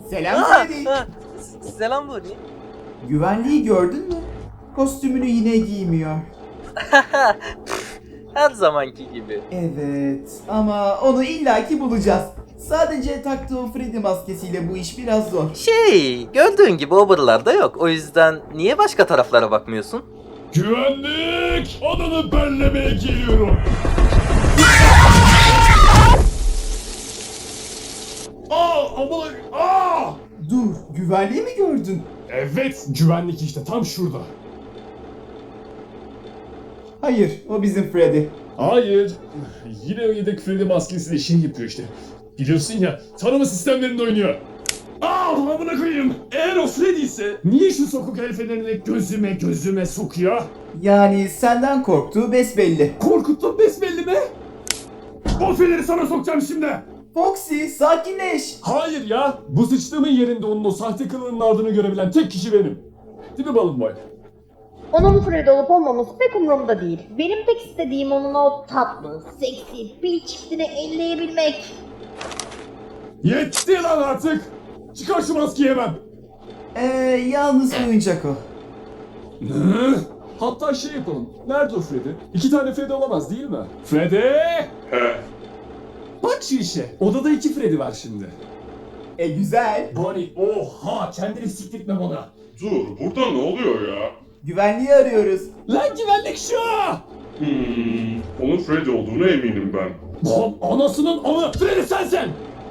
Selam Freddy. Selam Bonnie. Güvenliği gördün mü? Kostümünü yine giymiyor. Her zamanki gibi. Evet ama onu illaki bulacağız. Sadece taktığı o Freddy maskesiyle bu iş biraz zor. Gördüğün gibi o buralarda yok. O yüzden niye başka taraflara bakmıyorsun? Güvenlik! Adını bellemeye geliyorum. Aman! Dur, güvenliği mi gördün? Evet, güvenlik işte tam şurada. Hayır, o bizim Freddy. Hayır. Yine o yedek Freddy maskesiyle şey yapıyor işte. Biliyorsun ya, tanıma sistemlerinde oynuyor. Amına koyayım. Eğer o Freddy ise niye şu sokak el fenerini gözüme sokuyor? Yani senden korktuğu besbelli. Korkuttun besbelli mi? O feneri sana sokacağım şimdi. Foxy, sakinleş. Hayır ya. Bu sıçtığımın yerinde onun o sahte kılığının ardını görebilen tek kişi benim. Değil mi balım boy? Onun Fred olup olmaması pek umurumda değil. Benim tek istediğim onun o tatlı, seksi, pil çiftini elleyebilmek. Yetti lan artık. Çıkar şu maskeyi hemen. Yalnız oyuncak o. Ne? Hatta şey yapalım. Nerede o Freddy? İki tane Freddy olamaz değil mi? Freddy! He. Bak şu işe. Odada iki Freddy var şimdi. Güzel. Bonnie oha kendini siktirtme bana. Dur, burada ne oluyor ya? Güvenliği arıyoruz. Lan güvenlik şu! Onun Freddy olduğuna eminim ben. Lan anasının anı! Freddy sensin!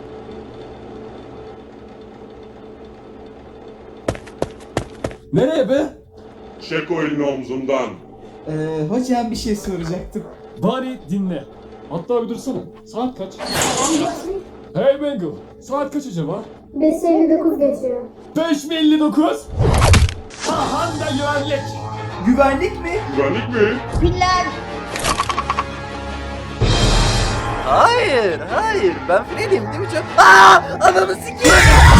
Nereye be? Çek o elini omzumdan. Hocam bir şey soracaktım. Bari dinle. Hatta bir dursana. Saat kaç? Hey Bengal. Saat kaç acaba? 5:59 geçiyor. 5:59. Ahan da güvenlik. Güvenlik mi? Güvenlik mi? Piller! Hayır. Ben Freddy'yim değil mi çok? Ananı sikeyim.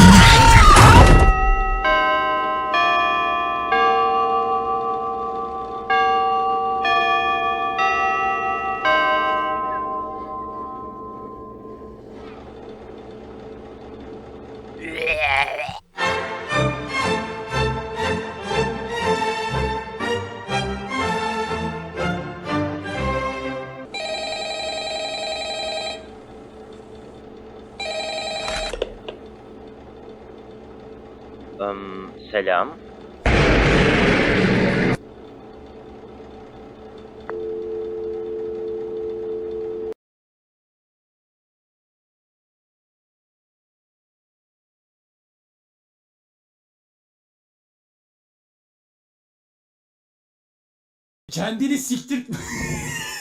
Selam. Kendini siktir...